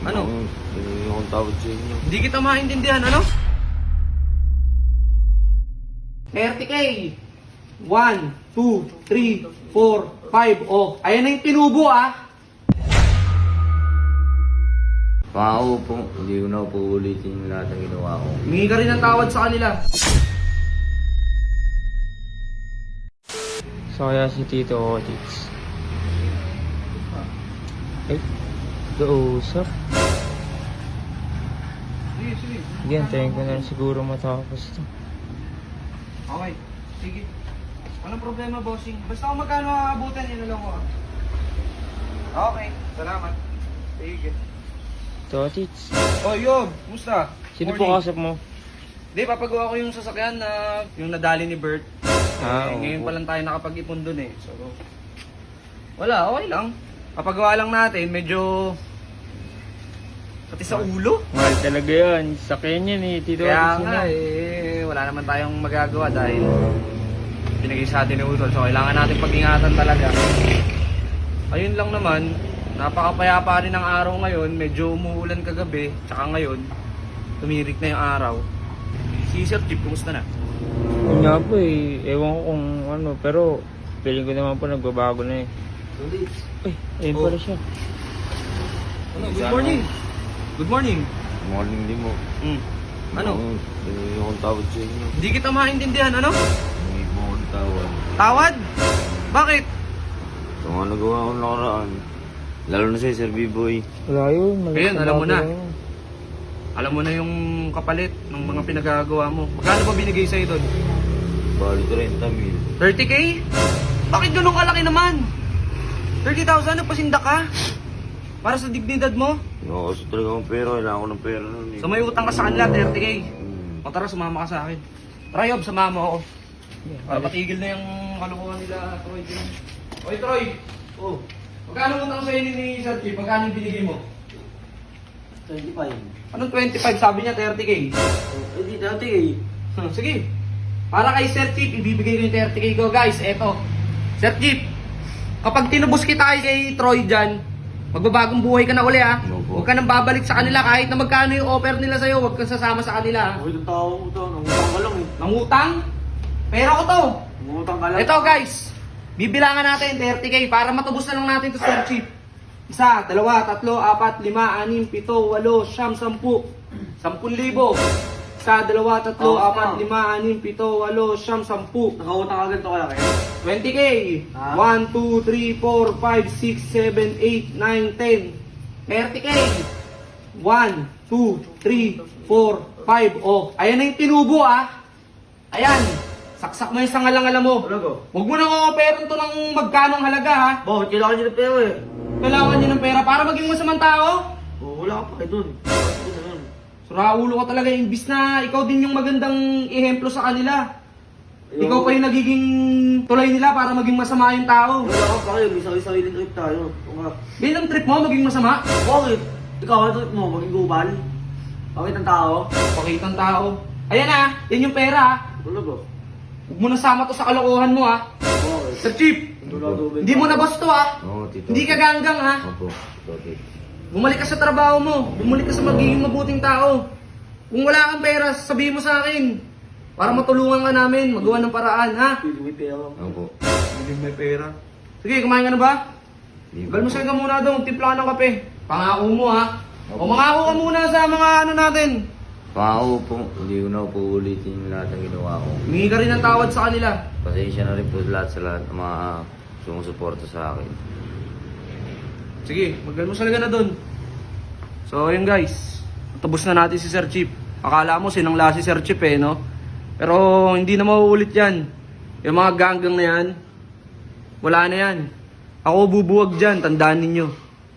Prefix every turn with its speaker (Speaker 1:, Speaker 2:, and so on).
Speaker 1: Ano?
Speaker 2: Hindi akong tawad sa inyo.
Speaker 1: Hindi kita maintindihan, ano? 30K. 1, 2, 3, 4, 5. Oh, ayan na yung tinubo ah.
Speaker 2: Pangako po, hindi ko na po ulitin yung lahat ng ginawa ko.
Speaker 1: Humingi ka rin ng tawad sa kanila.
Speaker 3: So kaya si Tito Otits. Ay, kausap.
Speaker 1: Sige, sige.
Speaker 3: Sige, antayin ko na rin siguro matapos to.
Speaker 1: Okay, sige. Anong problema, bossing? Basta kung magkano aabutan, yun na lang ko. Okay, salamat. Sige.
Speaker 3: Tito Otits.
Speaker 1: Oh, Yob, kumusta?
Speaker 3: Sino po kasap mo?
Speaker 1: Hindi, papagawa ko yung sasakyan na yung nadali ni Bert. Ngayon pa lang tayo nakapag-ipon dun eh. So, wala, okay lang. Papagawa lang natin, medyo pati sa ulo.
Speaker 3: Mahal talaga yun. Sakyan yan eh, Tito
Speaker 1: Kaya
Speaker 3: Otits.
Speaker 1: nga wala naman tayong magagawa dahil binigay sa atin ni Utol. So, kailangan natin pag-ingatan talaga. Ayun lang naman, napakapayapa rin ng araw ngayon. Medyo umuulan kagabi, tsaka ngayon, tumirik na yung araw. Si Sir Jeep, kumusta na?
Speaker 3: Yun nga po eh, ewan ko kung ano, pero feeling ko naman po nagbabago na eh. Ay, ayun pala siya.
Speaker 1: Ano, good morning. Good morning.
Speaker 2: Morning din mo.
Speaker 1: Ano?
Speaker 2: Hindi akong tawad sa inyo.
Speaker 1: Hindi kita maintindihan, ano?
Speaker 2: Hindi mo akong tawad.
Speaker 1: Tawad? Bakit?
Speaker 2: Sa mga nagawa akong nakaraan. Lalo na sa Sir B-Boy.
Speaker 3: Wala yun.
Speaker 1: Ayun, alam mo na.
Speaker 3: yun.
Speaker 1: Alam mo na yung kapalit ng mga pinagagawa mo. Magkano ba binigay sa'yo doon?
Speaker 2: Bali 30,000.
Speaker 1: 30K? Bakit ganun kalaki naman? 30,000, nagpasinda ka? Para sa dignidad mo?
Speaker 2: Hindi ako kasi talaga ng pera. Kailangan ko ng pera nun eh.
Speaker 1: So may utang ka sa kanila, 30K.
Speaker 2: Hmm.
Speaker 1: O tara, sumama ka sa akin. Try, Yob, sumama mo ako. Para patigil na yung kalukuhan nila, Troy. Oy, Troy! Oh, magkano utang sa'yo ni Sir Chief? Magkano yung binigay mo?
Speaker 4: 25.
Speaker 1: Anong 25? Sabi niya 30K.
Speaker 4: Hindi dati eh.
Speaker 1: Sige. Para kay Sir Chief, ibibigay ko yung 30K ko. Guys, eto. Sir Chief, kapag tinubos kita kay Troy dyan, magbabagong buhay ka na uli ha.
Speaker 2: Opo.
Speaker 1: Huwag ka nang babalik sa kanila kahit na magkano yung offer nila sa'yo. Huwag kang sasama sa kanila ha.
Speaker 4: Huwag itong tao mo ito. Nangutang ka lang eh.
Speaker 1: Nangutang? Pera ko to.
Speaker 4: Nangutang ka lang.
Speaker 1: Ito guys, bibilangan natin 30K para matubos na lang natin to Sir Chief. 1, 2, 3, 4, 5, 6, 7, 8, 9, 10, 10,000. 10,000. 1, 2, 3, 4, 5, 6, 7, 8, 9, 10.
Speaker 4: Nakautang agad to kaya kayo.
Speaker 1: 20K.
Speaker 4: Ah.
Speaker 1: 1, 2, 3, 4, 5, 6, 7, 8, 9, 10. 30K. 1, 2, 3, 4, 5. Oh, ayan na yung tinubo ah. Ayan. Saksak mo yung sangalang-alam mo.
Speaker 4: Talaga?
Speaker 1: Huwag mo nang o-operan to ng magkanong halaga ha.
Speaker 4: Bakit kailangan nyo ng pera eh?
Speaker 1: Kailangan niyo ng pera para maging masamang tao.
Speaker 4: Oh, wala ka pa kayo dun. Bakit na nun?
Speaker 1: Suraulo ka talaga, imbis na ikaw din yung magandang ehemplo sa kanila. Ikaw pa yung nagiging tulay nila para maging masama yung tao.
Speaker 4: Wala ka pa kayo. May sarili-sarili trip tayo. O nga.
Speaker 1: Bilang trip mo, maging masama.
Speaker 4: Bakit? Ikaw, ano trip mo? Maging gubal? Bakit ang tao?
Speaker 1: Pakitang tao. Ayan ah, yan yung pera ah.
Speaker 4: Talaga?
Speaker 1: Huwag mo nasama to sa kalokohan mo ah.
Speaker 4: Bakit?
Speaker 1: Sir Chief, hindi mo na basto ah.
Speaker 2: Oo, Tito.
Speaker 1: Hindi ka ganggang ha.
Speaker 2: Opo, Tito Otits.
Speaker 1: Bumalik ka sa trabaho mo. Bumalik ka sa magiging mabuting tao. Kung wala kang pera, sabihin mo sa akin. Para matulungan ka namin, magawa ng paraan ha.
Speaker 4: Pili may pera.
Speaker 2: Opo.
Speaker 1: Hindi may pera. Sige, kumain ka na ba?
Speaker 2: Hindi
Speaker 1: Galmusal ka muna daw, magtimpla ka ng kape. Pangako mo ha. O mangako ka muna sa mga ano natin.
Speaker 2: Pangako po, hindi ko na po ulitin yung lahat ng ginawa ko.
Speaker 1: Humingi ka rin ng tawad sa kanila.
Speaker 2: Pasensya na rin po sa lahat ng mga sumusuporta sa akin.
Speaker 1: Sige, maggalmusal ka na dun. So, yun guys. Tapos na natin si Sir Chief. Akala mo sinangla si Sir Chief eh, no? Pero hindi na mauulit yan. Yung mga ganggang na yan, wala na yan. Ako bubuwag dyan, tandaan ninyo.